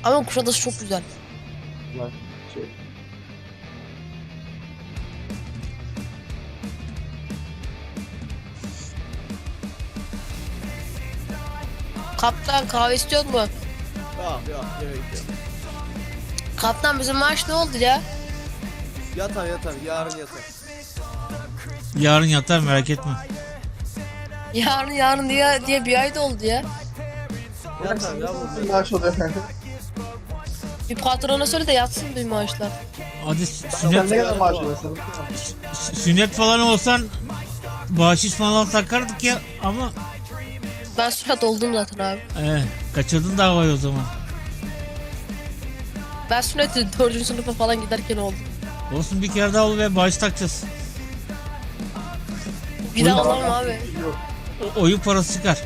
Ama Kuşadası çok güzel. Lan şey. Kaptan kahve istiyor mu? Yok gerek yok. Kaptan bizim maaş ne oldu ya? Yatar yarın yatar. Yarın yatar, merak etme. Yarın diye bir ay da oldu ya. Yatar ya bu. Maaş oluyor efendim. Bir patrona söyle de yatsın bir maaşlar. Hadi Sen sünnet, ne kadar maaş alıyorsun? sünnet falan olsan bahşiş falan takardık ya ama Ben sürat oldum zaten abi. kaçırdın davayı o zaman. Ben sünneti 4. sınıfa falan giderken oldum. Olsun, bir kere daha ol ve bahşiş takacağız. Bir daha alamam abi. Yok. Oyun parası çıkar.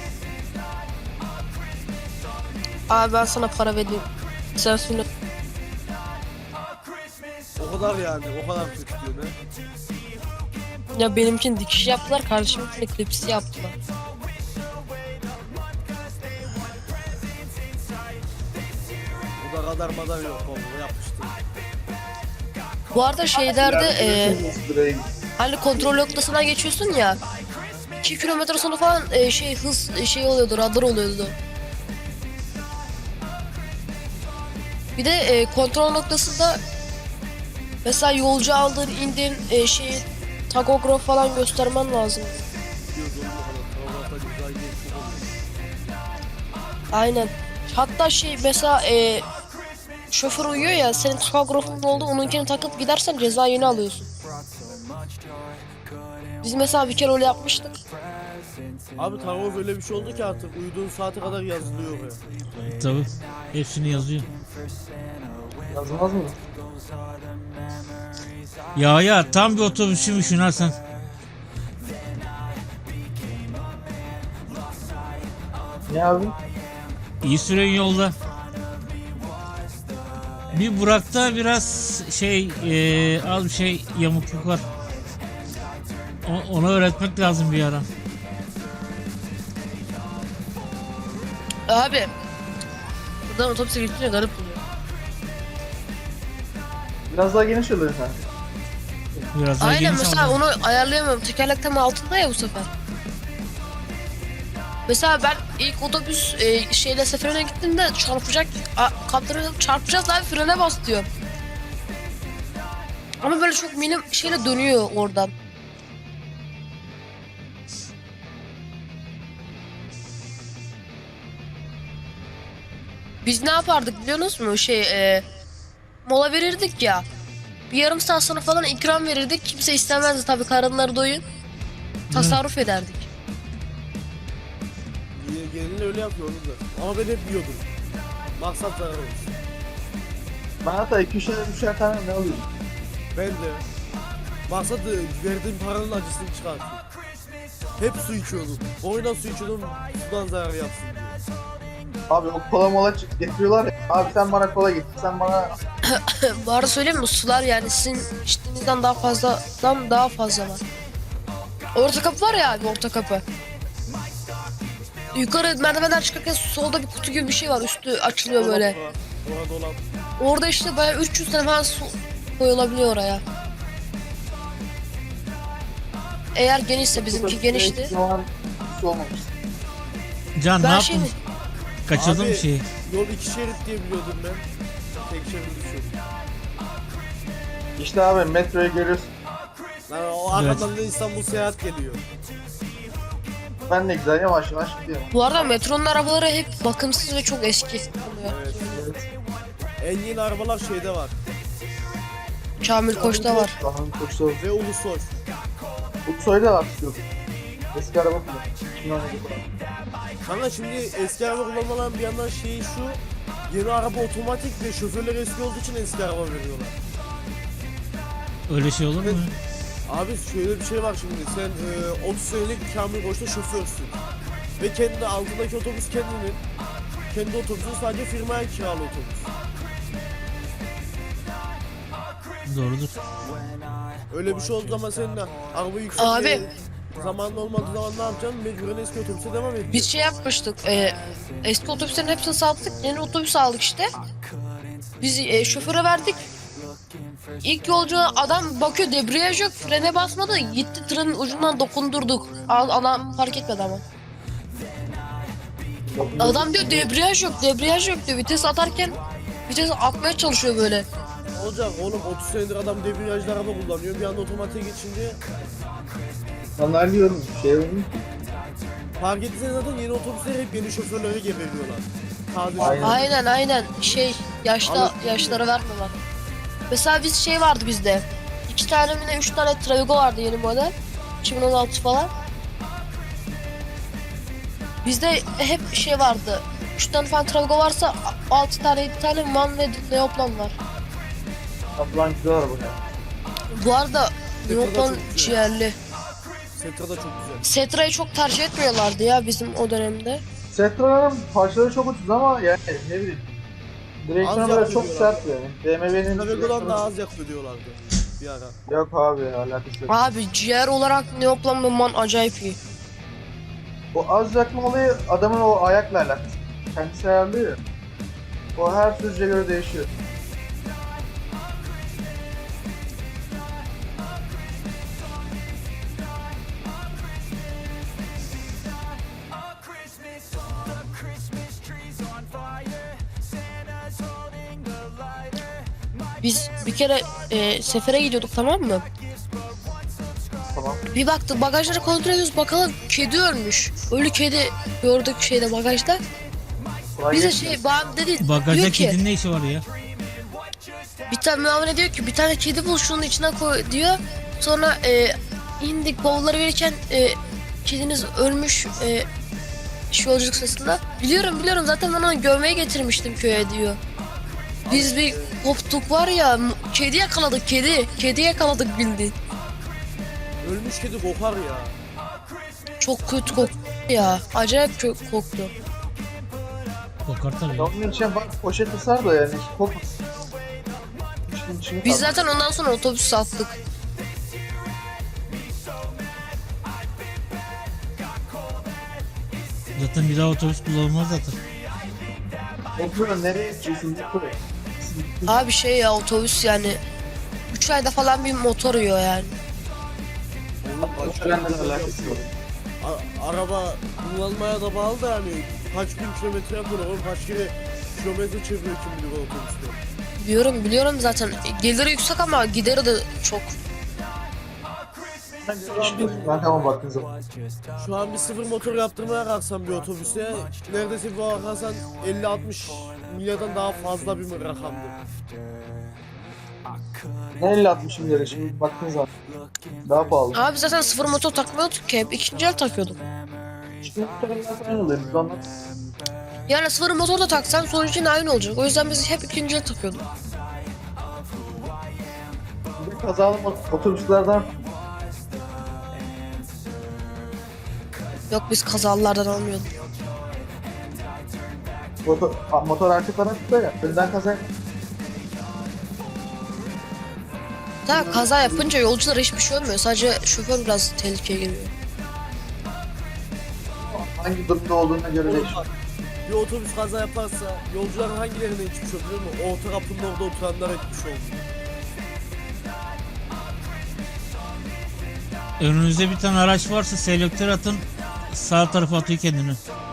Abi ben sana para vereyim. Sen sünnet. O kadar yani o kadar kötü diyor ne? Ya benimkini dikiş yaptılar, kardeşiminkini klipsi yaptılar. Bu da kadar madar yok oğlum yapmıştı. Bu arada şeylerde Buraya git. hani kontrol noktasından geçiyorsun ya. 2 kilometre sonra falan hız oluyordu, radar oluyordu. Bir de kontrol noktasında mesela yolcu aldın, indin, takograf falan göstermen lazım. Diyoruz oğlum o kadar. Travmata güzel değil çok oluyor. Aynen. Hatta mesela şoför uyuyor ya, senin takografın oldu, onunkini takıp gidersen ceza yeni alıyorsun. Biz mesela bir kere öyle yapmıştık. Abi Tarov öyle bir şey oldu ki artık uyuduğun saate kadar yazılıyor oraya. Tabii. Hepsini yazıyor. Yazmaz mı? Ya tam bir otobüsçümüş Ünal sen. Ne abi? İyi süren yolda. Bir Burak'ta biraz az bir şey yamukluk var. Ona öğretmek lazım bir ara. Abi. Buradan otobüse geçince garip oluyor. Biraz daha geniş oluyor efendim. Biraz daha Aynen, geniş mesela ama. onu ayarlayamıyorum. Tekerlek tam altında ya bu sefer. Mesela ben ilk otobüs seferine gittiğimde kaptanı çarpacağız abi, frene bas diyor. Ama böyle çok minim şeyle dönüyor oradan. Biz ne yapardık biliyor musunuz mu? Mola verirdik ya. Bir yarım saat sonra falan ikram verirdik. Kimse istemezdi tabii, karınları doyun. Tasarruf ederdik. Gelin öyle yapıyor onu da. Ama ben hep yiyordum. Maksat zarar olsun. Ben hatta 2-3'er tane ne alıyorum? Ben de. Maksat verdiğim paranın acısını çıkartayım. Hep su içiyordum. Boyuna su içiyordum sudan zarar yapsın diye. Abi o kola mola getiriyorlar ya. Abi sen bana kola getir. Sen bana... Bu arada söyleyeyim mi? Sular yani sizin içtiğinizden daha fazla var. Orta kapı var ya abi, orta kapı. Yukarı merdivenden çıkarken solda bir kutu gibi bir şey var. Üstü açılıyor böyle. Dolap var. Orada dolap. Orada işte bayağı 300 tane falan su koyulabiliyor oraya. Eğer genişse, bizimki genişti. Hiçbir zaman su olmamış. Can ne Ben yaptın? Kaçırdın Abi, bir şeyi. Yol 2 şerit diye biliyordum ben. Tek şerit düşüyordum. İşte abi metroyu görüyorsun. Lan o arkadan da İstanbul seyahat geliyor. Ben ne güzel yavaş yavaş gidiyorum. Bu arada metronun arabaları hep bakımsız ve çok eski oluyor. Evet. Evet. En yeni arabalar şeyde var. Kamil Koç'ta var. Daha koştu. Ve Ulusoy. Bu soyda artık yok. Eski araba kullan. 2017 falan. Kanka şimdi eski araba kullanmaların bir yandan şeyi şu. Yeni araba otomatik ve şoförler eski olduğu için eski araba veriyorlar. Öyle şey olur mu? Abi şöyle bir şey var şimdi. Sen 30 senelik Kamil Koç'ta şoförsün. Ve kendi altındaki otobüs kendinin. Kendi otobüsün, sadece firmaya kiralı otobüs. Doğrudur. Öyle bir şey olduğu zaman senin araba yüksek Abi. zamanla olmadığı zaman ne yapacağım? Mecburen eski otobüse devam edeceğim. Biz şey yapmıştık. Eski otobüslerin hepsini sattık. Yeni otobüs aldık işte. Biz şoföre verdik. İlk yolcu adam bakıyor debriyaj yok. Frene basmadı. Gitti trenin ucundan dokundurduk. Adam fark etmedi ama. Adam diyor debriyaj yok, debriyaj yok diyor. Vites atarken vites atmaya çalışıyor böyle. Ne olacak oğlum, 30 senedir adam debriyajlı araba kullanıyor. Bir anda otomatiğe geçince Anlıyorum şey olmuş. fark ettiğiniz zaten yeni otobüsler hep yeni şoförlere geberiyorlar. Taze Aynen. Aynen yaşlara vermiyorlar. Mesela biz şey vardı bizde. 2 tane mi ne 3 tane Travigo vardı yeni model. 2016 falan. Bizde hep şey vardı. 3 tane falan Travigo varsa 6 tane 7 tane MAN ve Neoplan var. Ablan güzel araba ya. Bu arada Setra da Neoplan çok güzel. ciğerli. Setra da çok güzel. Setra'yı çok tercih etmiyorlardı ya bizim o dönemde. Setra'nın parçaları çok ucuz ama yani ne bileyim. Direksiyonu Az böyle çok yapıyorlar. sert yani. BMW'nin Travego'dan daha az yakıyor diyorlardı bir ara. Yok abi alakası yok. Abi ciğer olarak Neoplan ve MAN acayip iyi. O az yakma olayı adamın o ayakla alakası. Kendisi ayarlıyor ya. O her sürücüye göre değişiyor. Biz bir kere sefere gidiyorduk, tamam mı? Tamam. Bir baktık bagajları kontrol ediyoruz, bakalım kedi ölmüş. Ölü kedi gördük şeyde, bagajda. Kolay Bize gelsin. bağım dedi, Bagajda diyor ki kedinin ne işi var ya? bir tane muamele diyor ki bir tane kedi bul şunun içine koy diyor. Sonra indik bavulları verirken kediniz ölmüş şu yolculuk sırasında. Biliyorum zaten ben onu gömmeye getirmiştim köye diyor. Biz bir koptuk var ya, kedi yakaladık kedi yakaladık bildiğin. Ölmüş kedi kokar ya. Çok kötü koktu ya, acayip kötü koktu. Kokar tabii. Onun için bak poşeti sar da yani kokmasın. Biz zaten ondan sonra otobüs sattık. Zaten bir daha otobüs kullanılmaz zaten. Oturuyor nereye gidiyorsun? Oturuyor. Abi şey ya, otobüs yani 3 ayda falan bir motor yiyor yani. Oğlum başka Trenle alakası yok. araba kullanmaya da bağlı da yani kaç bin kilometre yapıyor oğlum, kaç kere kilometre çeviriyor kim bilir o otobüste. Biliyorum zaten, geliri yüksek ama gideri de çok. Ben tamam baktığın zaman. Şu an bir sıfır motor yaptırmaya kalksam bir otobüste neredeyse bir bakarsan 50-60 milyardan daha fazla bir rakamdır. Ne 50-60 milyara şimdi baktığın zaman. Daha pahalı. Abi zaten sıfır motor takmıyorduk ki, hep ikinci el takıyorduk. Şimdi muhtemelen aynı oluyor. Biz anlat. Yani sıfır motor da taksan sonucu yine aynı olacak. O yüzden biz hep ikinci el takıyorduk. Bir de kazalı otobüslerden Yok, biz kazalardan almıyorduk. motor arka tarafta ya. Önden kaza Daha kaza yapınca yolculara hiçbir şey olmuyor. Sadece şoför biraz tehlikeye giriyor. hangi durumda olduğuna göre Oğlum değişiyor. bak, bir otobüs kaza yaparsa yolcuların hangilerine geçmiş olur biliyor musun? Orta kapının orada oturanlara gitmiş oldu. Önünüzde bir tane araç varsa selektör atın, sağ tarafa atıyor kendini.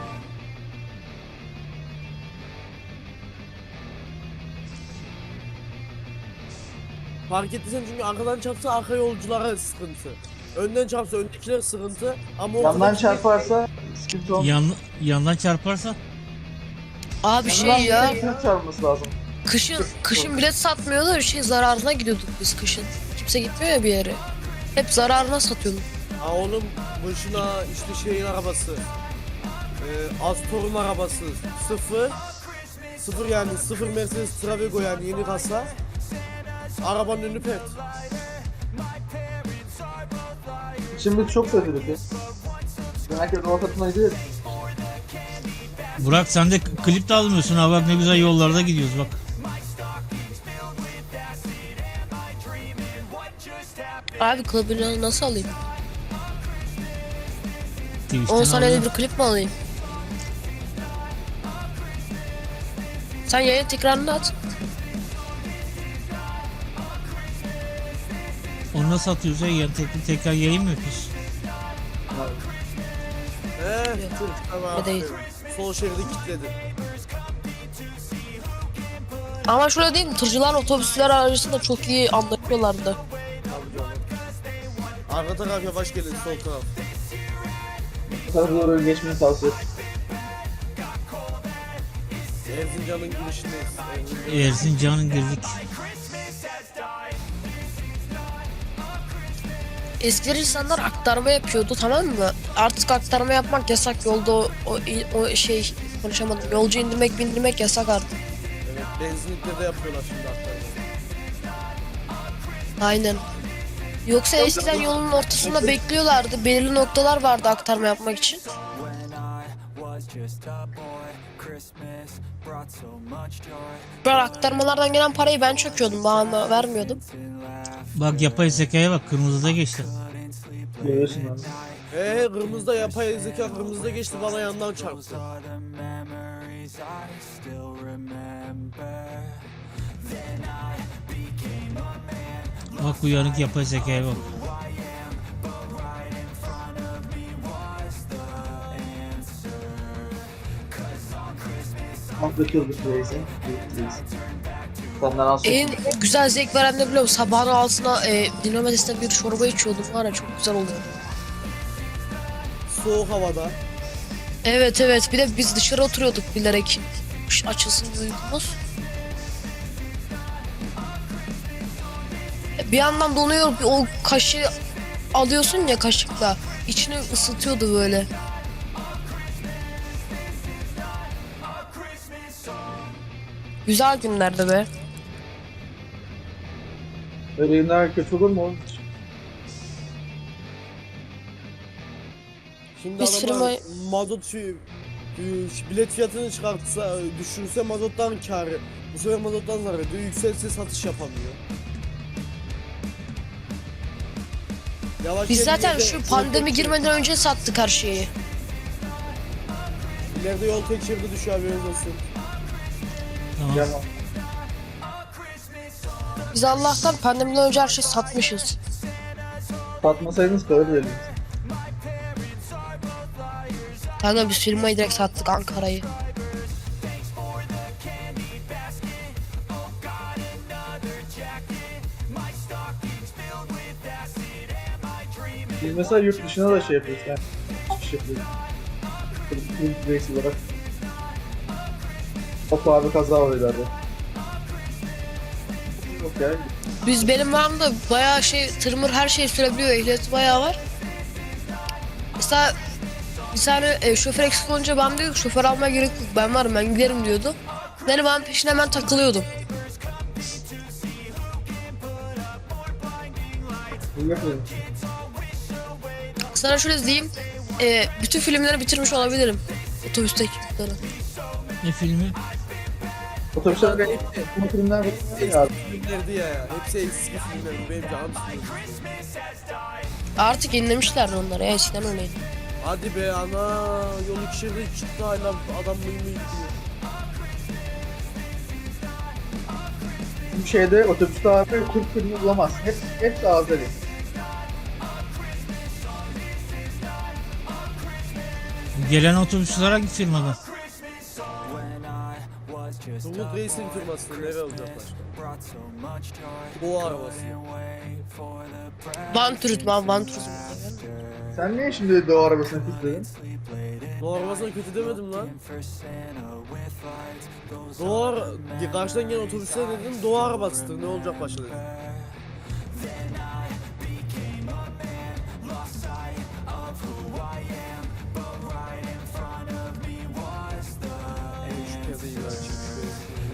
Fark ettiysen çünkü arkadan çarpsa arka yolculara sıkıntı. Önden çarpsa öndekiler sıkıntı ama Yandan ortadaki- çarparsa sıkıntı olmaz. Yandan çarparsa Abi şey ya, Yandan çarpması lazım. kışın bilet satmıyordu, zararına gidiyorduk biz kışın. Kimse gitmiyor ya bir yere. Hep zararına satıyorduk. Ha oğlum başına işte şeyin arabası. Astor'un arabası. Sıfır yani sıfır Mercedes Travego yani yeni kasa. Arabanın önü pet. Şimdi çok sevdirdik ya. Herkes ortasına gidiyor. Burak sen de klip de almıyorsun ha, bak ne güzel yollarda gidiyoruz bak. Abi klibini nasıl alayım? Twitch'ten 10 saniyede alıyor. bir klip mi alayım? Sen yayın tekrarını at. Onu nasıl atıyoruz ya? Yani tekrar yayın mı yapıyorsun? Tamam. Ne değil. Sol şeridi kilitledi. Ama şöyle değil mi? Tırcılar otobüsler arasında çok iyi anlaşıyorlardı. Tabii canım. Arka taraf yavaş gelin, sol taraf. Bu tarafa doğru geçmeyi tavsiye ederim. Erzincan'ın girişindeyiz. Erzincan'ın girdik. Eskiler insanlar aktarma yapıyordu, tamam mı? Artık aktarma yapmak yasak, yolda o şey konuşamadım. Yolcu indirmek bindirmek yasak artık. Evet, benzinlikte de yapıyorlar şimdi aktarmayı. Aynen. Yoksa eskiden yolun ortasında bekliyorlardı. Belirli noktalar vardı aktarma yapmak için. Ben aktarmalardan gelen parayı ben çöküyordum, bana vermiyordum. Bak yapay zekaya bak, kırmızıda geçti. Görüyorsun abi. Kırmızıda yapay zeka kırmızıda geçti, bana yandan çarptı. Bak uyanık yapay zekaya bak. Atlatıyorduk Reis'e. Senden az çok. En güzel zevk veren de biliyor musun? Sabahın altına dinlemedesinde bir çorba içiyordum, var ya, çok güzel oluyor. Soğuk havada. Evet evet, bir de biz dışarı oturuyorduk bilerek açılsın diye uykumuz. Bir yandan donuyor, o kaşığı alıyorsun ya kaşıkla, içini ısıtıyordu böyle. Güzel günlerdi be. Öyle günler kötü olur mu oğlum? Şimdi Biz adamlar firma- mazot bilet fiyatını çıkartsa, düşürse mazottan kârı. Bu sefer mazottan zarar ediyor, yükselse satış yapamıyor. Yavaş Biz gel, zaten ileride şu yol pandemi tek girmeden önce sattık her şeyi. şeridi- İleride yol tek şeridi düşüyor, haberiniz olsun. Tamam. Yaman. Biz Allah'tan pandemiden önce her şeyi satmışız. Satmasaydınız para verelim. Kanka biz firmayı direkt sattık, Ankara'yı. Biz mesela yurt dışına da şey yapıyoruz. Yani iş yapıyoruz. Kırık Reis olarak. Hop abi kaza oluyor ileride. Yok ya. Benim varımda bayağı şey, tırmır her şey sürebiliyor, ehliyeti bayağı var. Mesela bir tane şoför eksik olunca ben diyor ki şoför almaya gerek yok, ben varım, ben giderim diyordu. Yani ben peşine hemen takılıyordum. Bu yapıyorum. Sana şöyle diyeyim, bütün filmleri bitirmiş olabilirim. Otobüsteki filmleri. Ne filmi? Otobüsler Hepsi- bu filmler var ya. Eski filmlerdi ya. Hepsi eski filmlerdi. Benim canım sıkıldı. Artık yenilemişlerdi onları ya, eskiden öyleydi. Hadi be ana. Yol iki şeridi çıktı, hala adam mıyım gidiyor. Bu şeyde otobüste abi Türk filmi bulamazsın. Hepsi Azeri. Gelen otobüsler hangi firmadan? Umut Reis'in firmasında nereye olacak başka? Doğu arabası. Van Turizm abi, Van Turizm. Sen niye şimdi Doğu arabasına kilitledin? Doğu arabasına kötü demedim lan. Karşıdan gelen otobüsler dedim, Doğu arabasıdır, ne olacak başka dedim. Şu perdeyi ver, çünkü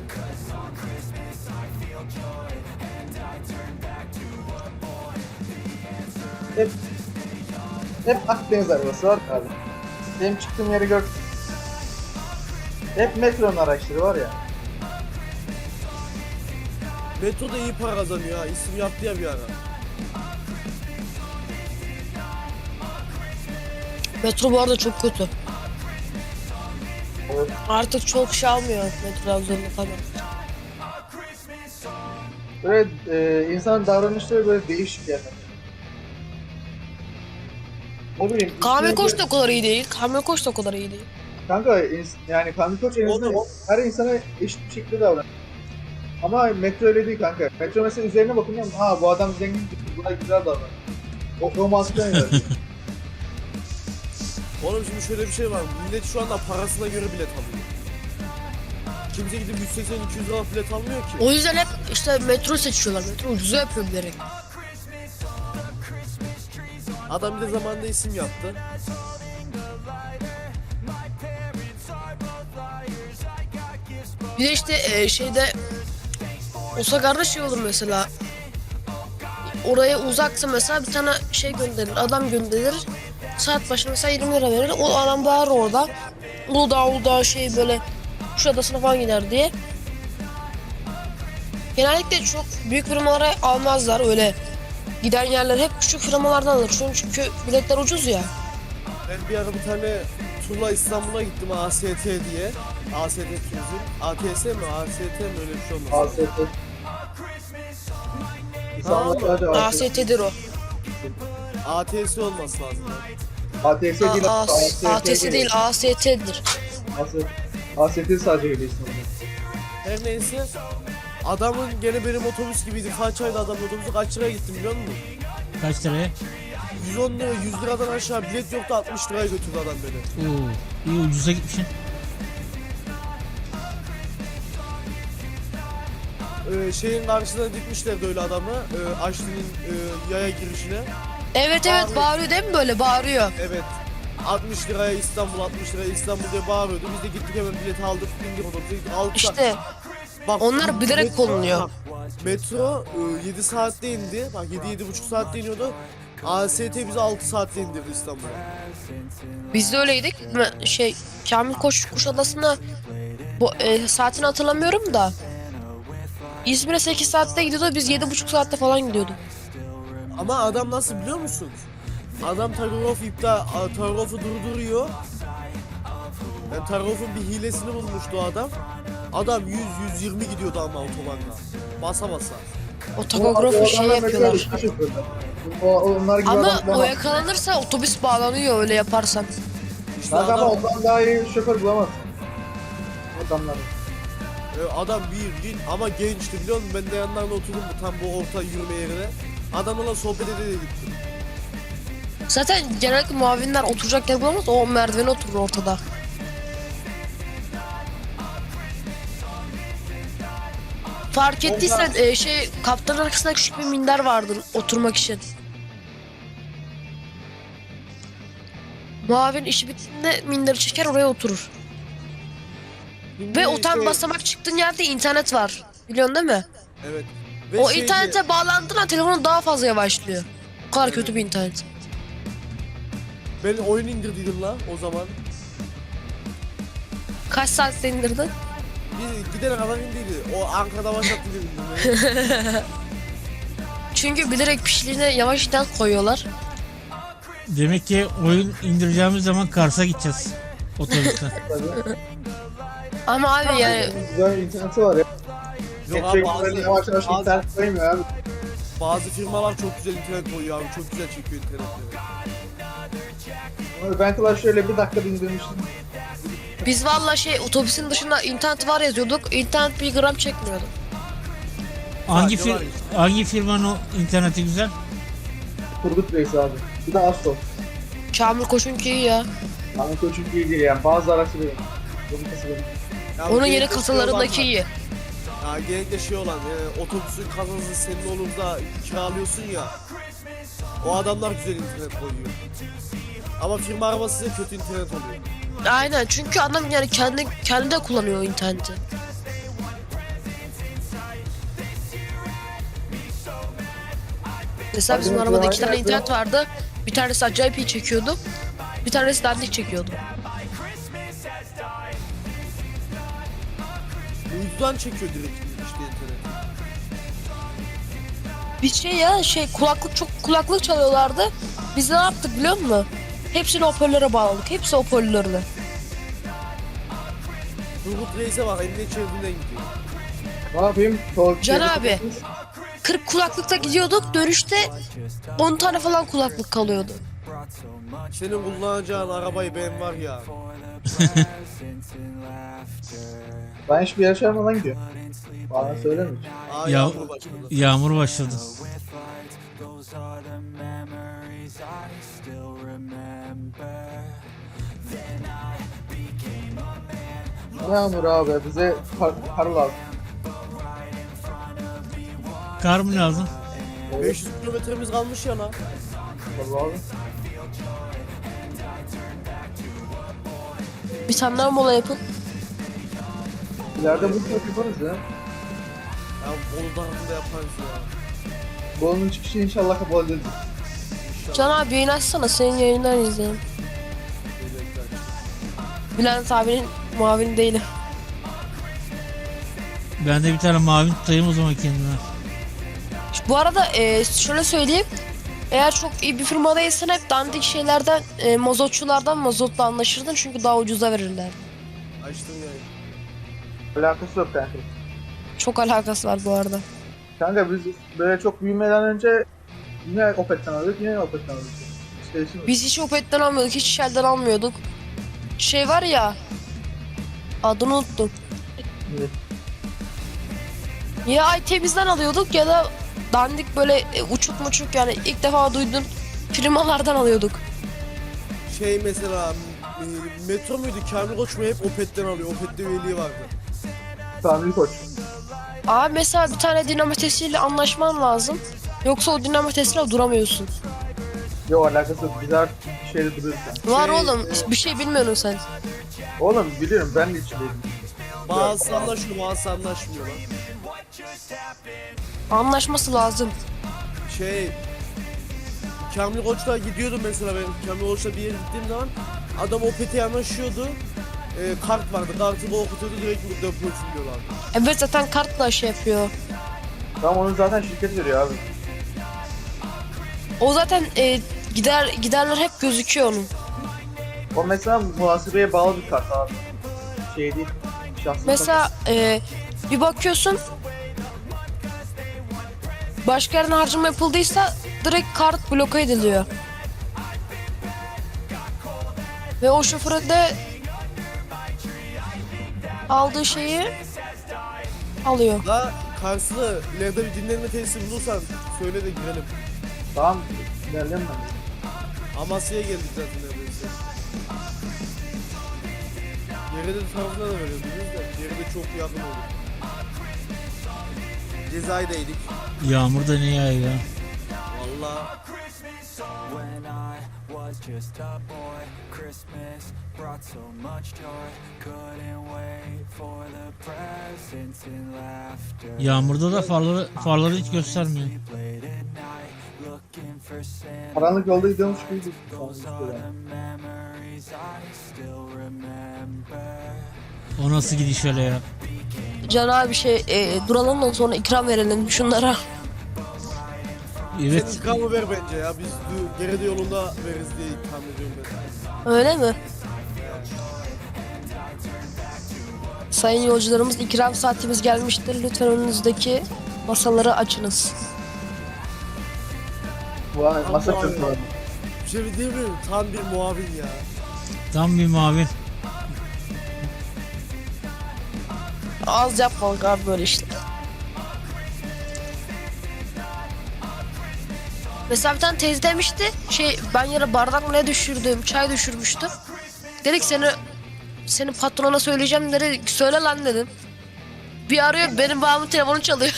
Hep Akdeniz arabası var abi. Benim çıktığım yeri gör. Hep metronun araçları var ya. Metro da iyi para kazanıyor ha, isim yaptı ya bir ara. Metro bu arada çok kötü. Evet. Artık çok şey almıyor metro Trabzon'da falan. Böyle insan davranışları böyle değişik yani. Ne bileyim. Kamil üstüne Koç bir- da o kadar iyi değil. Kamil Koç da o kadar iyi değil. Kanka yani Kamil Koç en azından her insana eşit bir şekilde davranıyor. Ama metro öyle değil kanka. Metro mesela üzerine bakınca ha bu adam zengin, buna güzel davranıyor. O mantıkla oynıyor. Oğlum şimdi şöyle bir şey var. Millet şu anda parasına göre bilet alıyor. Kimse gidip 180-200 lira bilet almıyor ki. O yüzden hep işte metro seçiyorlar. Metro ucuza yapıyor bilerek. Adam bir de zamanında isim yaptı. Bir de işte şeyde Osagar'da şey olur mesela. Oraya uzaksa mesela bir tane şey gönderir. Adam gönderir. Saat başına mesela 20 lira verir. O adam bağırır orada. Uludağ şey böyle Kuşadası'na falan gider diye. Genellikle çok büyük firmalara almazlar öyle. Giden yerler hep küçük firmalardan alır. Çünkü biletler ucuz ya. Ben bir ara bir tane turla İstanbul'a gittim AST diye. AST Turizm. ATS mi? AST mi? Öyle bir şey olmaz. AST. Tamam. İnsanlar da AST. AST'dir o. ATS olması lazım. ATS değil. ATS değil, AST'dir. AST sadece öyle isimler. Her neyse. Adamın gene benim otobüs gibiydi. Kaç ayda adamın otobüsü kaç liraya gittim biliyor musun? Kaç liraya? 110 lira, 100 liradan aşağı bilet yoktu, 60 liraya götürdü adam beni. Oo, iyi ucuza gitmişsin. Şeyin karşısına dikmişlerdi öyle adamı. Açlı'nın yaya girişine. Evet bağırıyor değil mi böyle bağırıyor. Evet. 60 liraya İstanbul, 60 liraya İstanbul diye bağırıyordu. Biz de gittik hemen bileti aldık, bindik otobüse gittik. Aldık. İşte Bak, onlar bilerek metro- konuluyor. Metro 7 saatte indi. Bak 7-7,5 saatte iniyordu. AST bizi 6 saatte indirdi İstanbul'a. Biz de öyleydik. Şey Kamil Koç Kuşadası'na saatini hatırlamıyorum da İzmir'e 8 saatte gidiyordu. Biz 7,5 saatte falan gidiyorduk. Ama adam nasıl biliyor musun? Adam takografu durduruyor. Yani takografın bir hilesini bulmuştu o adam. Adam 100-120 gidiyordu ama otobanda. Basa basa. O takografı şey yapıyorlar. Onlar gibi Ama adam o bulamaz. yakalanırsa otobüs bağlanıyor öyle yaparsan. İşte Kanka ama adam, ondan daha iyi şoför bulamazsın. Adamları. adam bir ama gençti biliyor musun? Ben de yanlarına oturdum tam bu orta yürüme yerine. Adamla sohbet ede gittim. Zaten genellikle muavinler oturacak yer bulamaz. O merdivene oturur ortada. Fark ettiysen kaptanın arkasında küçük bir minder vardır oturmak için. Muavin işi bittiğinde minderi çeker oraya oturur. Şimdi Ve o tam şey- basamak çıktığın yerde internet var. Biliyorsun değil mi? Evet. Ve O şeydi, internete bağlandığında telefonun daha fazla yavaşlıyor. O kadar kötü bir internet. Ben oyun indirdiydim la o zaman. Kaç saatte indirdin? Biz gidene kadar indiydi. O Ankara'da başlattı dedim. Çünkü bilerek pişliğine yavaş internet koyuyorlar. Demek ki oyun indireceğimiz zaman Kars'a gideceğiz. Otobüsten. Tabii. Ama abi yani Güzel interneti var ya. Yok abi Böyle yavaş yavaş internet koymuyor abi. bazı firmalar çok güzel internet koyuyor abi. Çok güzel çekiyor internetleri. Ama ben Clash şöyle bir dakika indirmiştim. biz valla otobüsün dışında internet var yazıyorduk. İnternet bir gram çekmiyordu. Hangi Sadece var hangi firmanın o interneti güzel? Turgut Reis abi. Bir de Astro. Kamil Koç'unki iyi ya. Ama Koç'un iyi değil yani. Bazı araçları benim. Bunun kası benim. Ya Onun genellikle yeni şey kasalarındaki olan- iyi. Ya genellikle şey olan otobüsün kasası senin olur da kiralıyorsun ya. O adamlar güzel internet koyuyor. Ama firma arabası size kötü internet oluyor. Aynen çünkü adam yani kendi de kullanıyor o interneti. Mesela bizim Abi, arabada 2 tane aynen. internet vardı. Bir tanesi acayip iyi çekiyordu. Bir tanesi dandik çekiyordu. Uydudan çekiyor direkt işte internet. Bir kulaklık çalıyorlardı. Biz ne yaptık biliyor musun? Hepsini hoparlöre bağladık. Hepsi hoparlörle. Turgut Reis'e bak elinde çevirdiğinden gidiyor. Ne yapayım? Can abi. 40 kulaklıkta gidiyorduk. Dönüşte 10 tane falan kulaklık kalıyordu. Senin kullanacağın arabayı ben var ya. Ben hiçbir yere çağırmadan gidiyorum. Bana söyleme hiç. Aa Ya- yağmur başladı. Yağmur başladı. Yağmur abi bize kar lazım. Kar mı lazım? 500 kilometremiz kalmış ya lan. Kar lazım. Bir tane daha mola yapın. İleride bu çok yaparız ya. Ya Bolu tarafında yaparız ya. Bolunun çıkışı inşallah kabul edilir. Can abi yayın açsana. Senin yayından izleyelim. Bülent abinin muavini değilim. Ben de bir tane mavi tutayım o zaman kendime. Bu arada şöyle söyleyeyim. Eğer çok iyi bir firmadaysan hep dandik şeylerden, mazotçulardan mazotla anlaşırdın çünkü daha ucuza verirler. Açtım yayını. Alakası yok kanka. Çok alakası var bu arada. Kanka biz böyle çok büyümeden önce yine Opet'ten alıyorduk, yine Opet'ten alıyorduk. Hiç değişmiyor. Biz hiç Opet'ten almıyorduk, hiç Shell'den almıyorduk. Şey var ya, adını unuttum. Evet. Ya iTemiz'den alıyorduk ya da dandik böyle uçuk muçuk yani ilk defa duydun firmalardan alıyorduk. Şey mesela Metro muydu? Kamil Koç mu hep Opet'ten alıyor. Opet'te üyeliği vardı. Tanrı koç. Abi mesela bir tane dinamitesiyle anlaşman lazım. Yoksa o dinamitesiyle duramıyorsun. Yok alakası yok. Biz her şeyde duruyoruz yani. Var oğlum, bir şey bilmiyorsun sen. Oğlum biliyorum ben de içindeydim. Bazısı anlaşıyor, bazısı anlaşmıyor lan. Anlaşması lazım. Şey Kamil Koç'la gidiyordum mesela ben. Kamil Koç'la bir yere gittiğim zaman adam Opet'e yanaşıyordu. Kart vardı. Kartı okutuyordu direkt deposun diyorlardı. Evet zaten kartla şey yapıyor. Tamam onu zaten şirket veriyor abi. O zaten giderler hep gözüküyor onun. O mesela muhasebeye bağlı bir kart abi. Şey değil. Şahsın Mesela bir bakıyorsun başka yerine harcama yapıldıysa direkt kart bloke ediliyor. Ve o şoförün de aldığı şeyi alıyor. Da karşılığı ileride bir dinlenme tesisi bulursan söyle de girelim. Tamam. İlerleyelim ben. Amasya'ya geldik zaten neredeyse. Yerede tarafına da veriyoruz biz de. Yerede çok yakın olduk. Cezayir'deydik. Yağmur da ne yağıyor ya? Valla When I was just a boy, Christmas brought so much joy. Couldn't wait for the presents and laughter. Yağmurda da farları hiç göstermiyor. Late at night, looking for Santa. Karanlık yolda gidiyormuş gibi. Those are the memories I still remember. O nasıl gidiş öyle ya? Can abi duralım da sonra ikram verelim şunlara. Evet. sen ikramı ver bence ya. Biz geride yolunda veririz diye ikram ediyorum ben. Öyle mi? Sayın yolcularımız ikram saatimiz gelmiştir. Lütfen önünüzdeki masaları açınız. Vay masa Tamam kırıklı. abi. Bir şey değil mi? Tam bir muavin ya. Tam bir mavi. Az yapmalık abi böyle işte. Mesela bir tane teyze demişti ben yere bardak mı ne düşürdüm, çay düşürmüştüm. Dedik senin patrona söyleyeceğim dedi. Söyle lan dedim. Bir arıyor benim babamın telefonu çalıyor.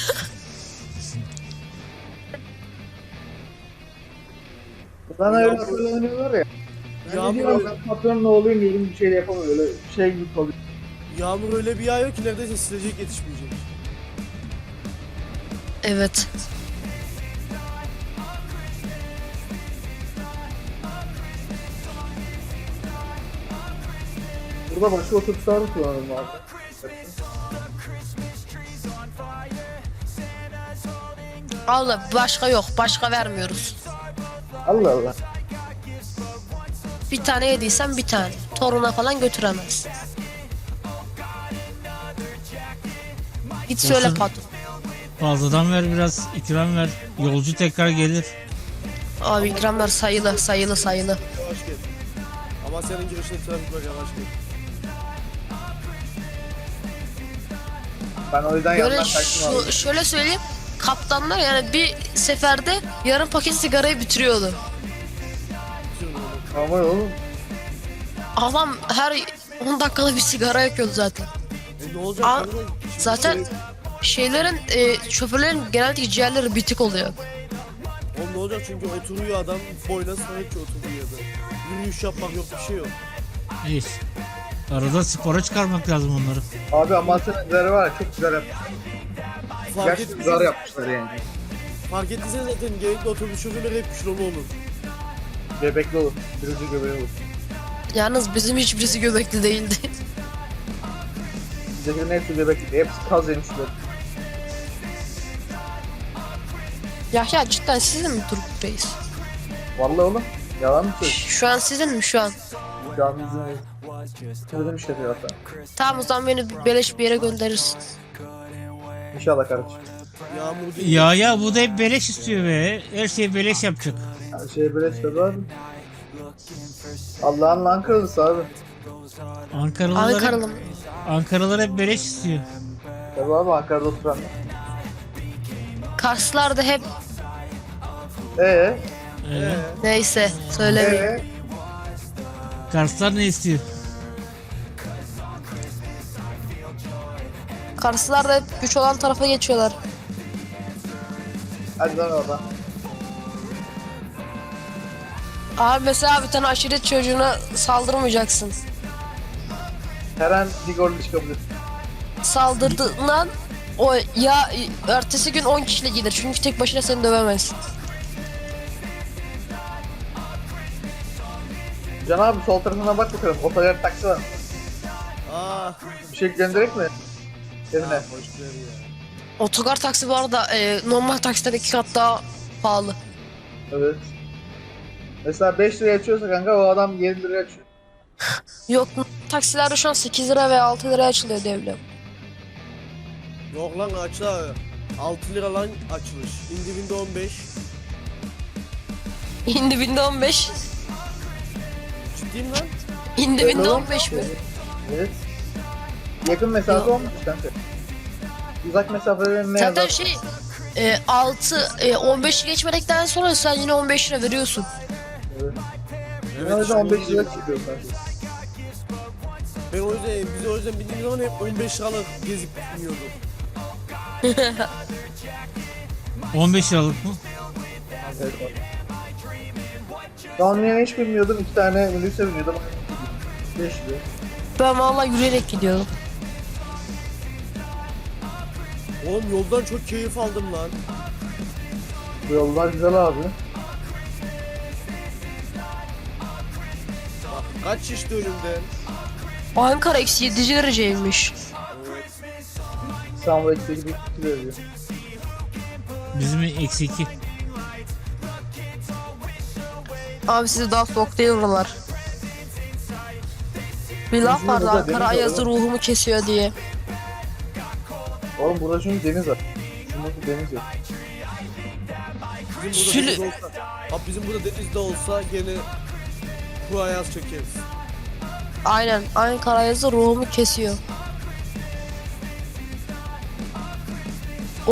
Bana öyle hatırlanıyorlar ya. Ben de Yağmur, diyorum ben patronun oğluyum diyorum bir şey de yapamıyor öyle şey gibi kalıyor. yağmur öyle bir yağıyor ki neredeyse silecek yetişmeyecek. Evet. Burada başka otobüsler mi kullanalım abi? Allah başka yok. Başka vermiyoruz. Allah Allah. Bir tane yediysen bir tane. Toruna falan götüremez. Git söyle Olsun. patron. Fazladan ver biraz, ikram ver. Yolcu tekrar gelir. Abi ikramlar sayılı. Yavaş gel. Ama senin girişinde trafik var, yavaş gel. Ben o yüzden Böyle yandan kaçtım abi. şöyle söyleyeyim. Kaptanlar yani bir seferde yarım paket sigarayı bitiriyordu. Bitirin onu. Ama oğlum. Adam her 10 dakikada bir sigara yakıyordu zaten. Ne olacak? Aa, kanka? Şimdi zaten şey- şeylerin şoförlerin genellikle ciğerleri bitik oluyor. Oğlum ne olacak, çünkü oturuyor adam, boyuna sahip ki oturuyor da. Yürüyüş yapmak yok, bir şey yok. Hiç. Arada spora çıkarmak lazım onları. Abi Amasya'nın üzeri var ya çok güzel yapmışlar. Fark Gerçekten güzel ettiysen, yapmışlar yani. fark ettiysen zaten gerekli otobüs şoförleri hep kilolu olur. Bebekli olur. Birinci göbeği olur. Yalnız bizim hiçbirisi göbekli değildi. Bizdekilerin hepsi bebekli. Hepsi kaz yemişler. Yahya cidden sizin mi Turgut Reis? Vallahi oğlum. Yalan mı söylüyorsun? Şu an sizin mi şu an? Şu an bizim Söyledim işte hatta. Tamam o zaman beni beleş bir yere gönderirsin. İnşallah kardeşim. Yağmur değil. Ya bu da hep beleş istiyor be. Her şeyi beleş yapacak. Her şey böyle çıkıyor abi. Allah'ın lan kralısı abi. Ankaralı mı? Ankaralılar hep beleş istiyor. Tabii abi Ankara'da oturanlar. Karslılar da hep Eee? neyse söylemeyeyim. Karslar ne istiyor? Karslılar da hep güç olan tarafa geçiyorlar. Hadi lan oradan. Abi mesela bir tane aşiret çocuğuna saldırmayacaksın. Her an bir gol çıkabilir. Saldırdığından o ya ertesi gün 10 kişiyle gelir çünkü tek başına seni dövemez. Can abi sol tarafına bak bakalım. Otogar taksi var mı? Ah. Bir şey gönderek mi? Evine. Hoş geldin ya. Otogar taksi bu arada normal taksiden 2 kat daha pahalı. Evet. Mesela 5 liraya açıyorsa kanka o adam 7 liraya açıyor. Yok taksilerde şu an 8 lira ve 6 liraya açılıyor devlet. Yok lan açla. 6 lira lan açılış. İndivinde 15. İndi binde 15. Ciddiyim lan. İndi binde 15 mi? Evet. Yakın mesafe Yok. olmuş kanka. Uzak mesafelerin ne Zaten yazar? şey 15'i geçmedikten sonra sen yine 15 lira veriyorsun. Evet. Evet, O yüzden işte 15 onu lira diyeceğim. çıkıyor kanka. Ben o yüzden, biz o yüzden bildiğimiz zaman hep 15 liralık gezip biniyorduk. 15 liralık mı? Evet, bak. Ben hiç bilmiyordum. 2 tane minibüse biniyordum. 5 lira. Ben vallahi yürüyerek gidiyorum. Oğlum yoldan çok keyif aldım lan. Bu yollar güzel abi. Bak kaç şişti önümden. Ankara eksi 7 dereceymiş. İstanbul eksi 2 veriyor. Bizim eksi 2. Abi size daha soğuk değil oralar. Bir laf vardı burada Ankara deniz var ayazı oğlum. ruhumu kesiyor diye. Oğlum burada çünkü deniz var. Şimdi deniz yok. Bizim burada deniz olsa, abi bizim burada deniz de olsa gene bu ayaz çekeriz. Aynen Ankara ayazı ruhumu kesiyor.